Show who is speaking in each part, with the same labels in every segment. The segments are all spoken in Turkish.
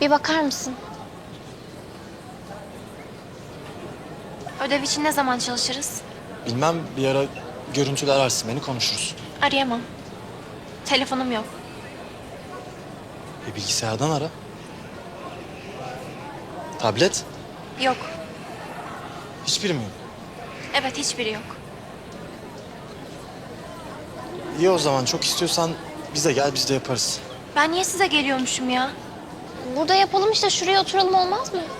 Speaker 1: Bir bakar mısın? Ödev için ne zaman çalışırız?
Speaker 2: Bilmem, bir ara görüntülü ararsın beni, konuşuruz.
Speaker 1: Arayamam. Telefonum yok.
Speaker 2: Bilgisayardan ara. Tablet?
Speaker 1: Yok.
Speaker 2: Hiçbiri mi yok?
Speaker 1: Evet, hiçbiri yok.
Speaker 2: İyi o zaman, çok istiyorsan bize gel, biz de yaparız.
Speaker 1: Ben niye size geliyormuşum ya? Burada yapalım işte, şuraya oturalım, olmaz mı?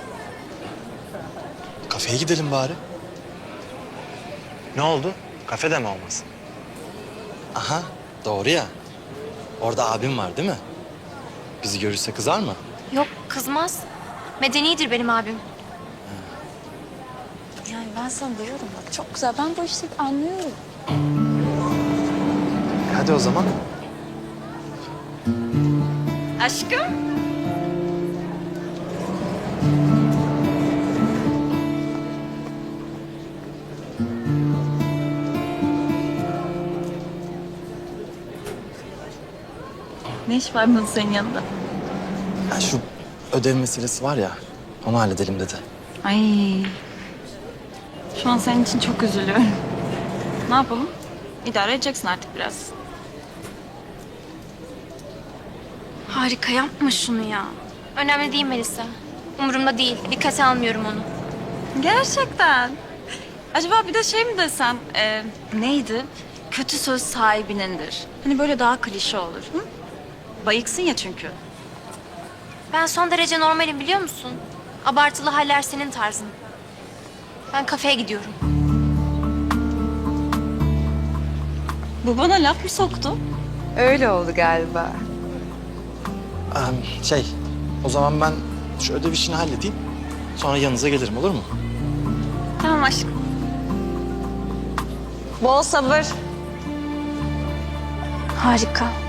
Speaker 2: Kafeye gidelim bari. Ne oldu? Kafede mi olmaz? Aha, doğru ya. Orada abim var değil mi? Bizi görürse kızar mı?
Speaker 1: Yok, kızmaz. Medenidir benim abim.
Speaker 3: Yani ben sana diyorum bak, çok güzel. Ben bu işi anlıyorum.
Speaker 2: Hadi o zaman.
Speaker 3: Aşkım. Ne iş var bunun senin yanında?
Speaker 2: Ya şu ödev meselesi var ya, onu halledelim dedi.
Speaker 3: Ay. Şu an senin için çok üzülüyorum. Ne yapalım? İdare edeceksin artık biraz.
Speaker 1: Harika, yapma şunu ya. Önemli değil Melisa. Umurumda değil. Dikkate almıyorum onu.
Speaker 3: Gerçekten. Acaba bir de şey mi desem? Neydi? Kötü söz sahibinindir. Hani böyle daha klişe olur. Hı? Bayıksın ya çünkü.
Speaker 1: Ben son derece normalim, biliyor musun? Abartılı haller senin tarzın. Ben kafeye gidiyorum.
Speaker 3: Bu bana laf mı soktu?
Speaker 4: Öyle oldu galiba.
Speaker 2: O zaman ben şu ödev işini halledeyim. Sonra yanınıza gelirim, olur mu?
Speaker 3: Tamam aşkım. Bol sabır.
Speaker 1: Harika.